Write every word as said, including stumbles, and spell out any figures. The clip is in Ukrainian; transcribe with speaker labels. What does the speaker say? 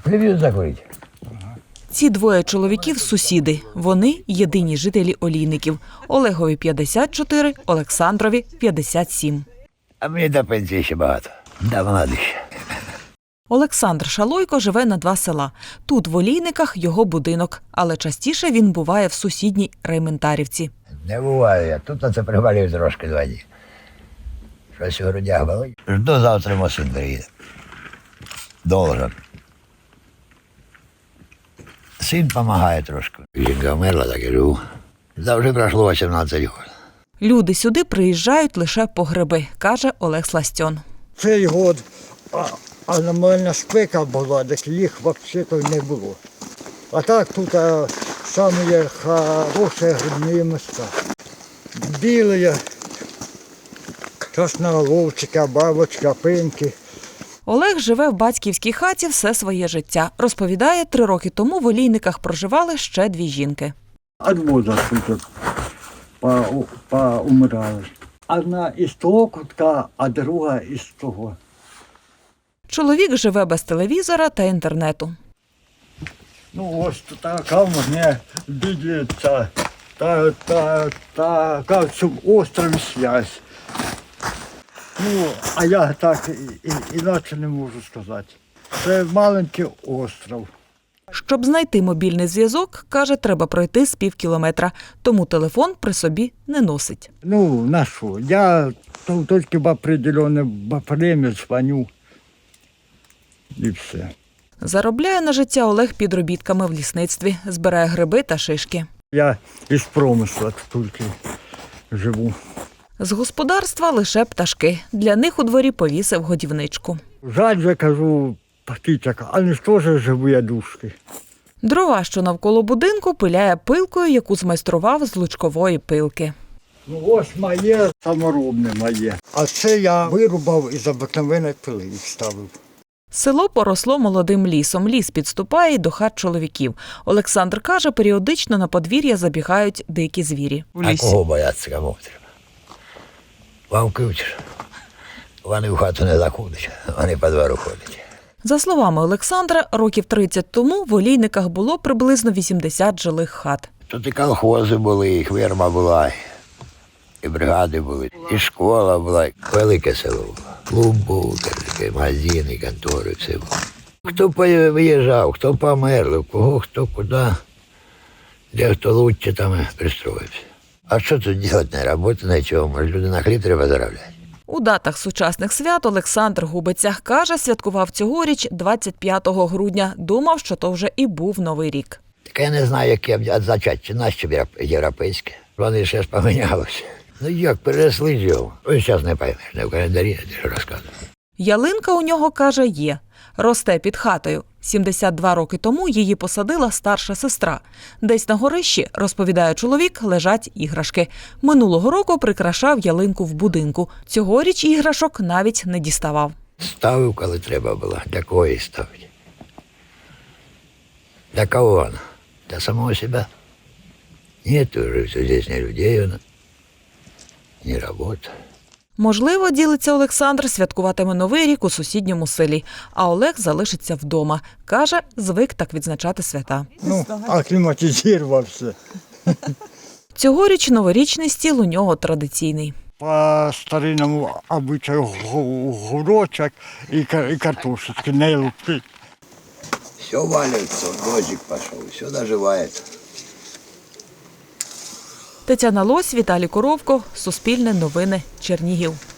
Speaker 1: Телевізор закурити.
Speaker 2: Ці двоє чоловіків – сусіди. Вони – єдині жителі Олійників. Олегові п'ятдесят чотири, Олександрові п'ятдесят сім.
Speaker 1: А мені до пенсії ще багато. Да, молодий.
Speaker 2: Олександр Шалойко живе на два села. Тут, в Олійниках, його будинок. Але частіше він буває в сусідній Рейментарівці.
Speaker 1: Не буваю я. Тут на це привалюю трошки два дні. Щось у грудях болить. Жду завтра мій син приїде. Должен. Син допомагає трошки. Жінка вмерла, так і живу. Завжди пройшло вісімнадцять років.
Speaker 2: Люди сюди приїжджають лише по гриби, каже Олег Сластьон.
Speaker 3: Цей год а, аномальна спека була, так їх взагалі не було. А так тут а, самі хороші грибні місця. Білі, красноголовчика, бабочка, пинки.
Speaker 2: Олег живе в батьківській хаті все своє життя. Розповідає, три роки тому в Олійниках проживали ще дві жінки.
Speaker 3: От возрасту тут поумирали. Одна із того кутка, а друга із того.
Speaker 2: Чоловік живе без телевізора та інтернету.
Speaker 3: Ну ось така в мене бідється, та, та, така в цьому острові зв'язь. Ну, а я так і, і, іначе не можу сказати. Це маленький остров.
Speaker 2: Щоб знайти мобільний зв'язок, каже, треба пройти з пів кілометра, тому телефон при собі не носить.
Speaker 3: Ну, на що? Я то, тільки в определенне время дзвоню і все.
Speaker 2: Заробляє на життя Олег підробітками в лісництві, збирає гриби та шишки.
Speaker 3: Я із промисла тільки живу.
Speaker 2: З господарства лише пташки. Для них у дворі повісив годівничку.
Speaker 3: Жаль, я кажу, птичок, але ж теж живі душки.
Speaker 2: Дрова, що навколо будинку, пиляє пилкою, яку змайстрував з лучкової пилки.
Speaker 3: Ну ось моє саморобне моє. А це я вирубав із обикновеної пили і вставив.
Speaker 2: Село поросло молодим лісом. Ліс підступає й до хат чоловіків. Олександр каже, періодично на подвір'я забігають дикі звірі.
Speaker 1: А кого бояться, кому треба? Вовки вчиш. Вони в хату не заходять, вони по двору ходять.
Speaker 2: За словами Олександра, років тридцять тому в Олійниках було приблизно вісімдесят жилих хат.
Speaker 1: Тут і колхози були, і ферма була, і бригади були, і школа була, велике село було. Клуб був, магазини, контори, все було. Хто виїжджав, хто помер, у кого, хто куди, де хто лучше там пристроївся. А що тут робити, не роботи, нічого, може люди на хліб треба заробляти.
Speaker 2: У датах сучасних свят Олександр губиться. Каже, святкував цьогоріч двадцять п'ятого грудня. Думав, що то вже і був Новий рік.
Speaker 1: Так я не знаю, яке відзначати, чи наші європейське. Вони ще ж помінялися. Ну як, переросли ж його. Ось зараз не поймеш, не в календарі, не що розказую.
Speaker 2: Ялинка у нього, каже, є. Росте під хатою. сімдесят два роки тому її посадила старша сестра. Десь на горищі, розповідає чоловік, лежать іграшки. Минулого року прикрашав ялинку в будинку. Цьогоріч іграшок навіть не діставав.
Speaker 1: Ставив, коли треба було. Для кого її ставити? Для кого вона? Для самого себе? Нет уже здесь ни людей, вона, ні роботи.
Speaker 2: Можливо, ділиться Олександр, святкуватиме Новий рік у сусідньому селі. А Олег залишиться вдома. Каже, звик так відзначати свята.
Speaker 3: Ну, акліматизувався.
Speaker 2: Цьогоріч новорічний стіл у нього традиційний.
Speaker 3: По старинному обичаю гурочок і картошечки не лупить.
Speaker 1: Все валяется, дождик пошел, все доживает.
Speaker 2: Тетяна Лось, Віталій Коровко, Суспільне новини, Чернігів.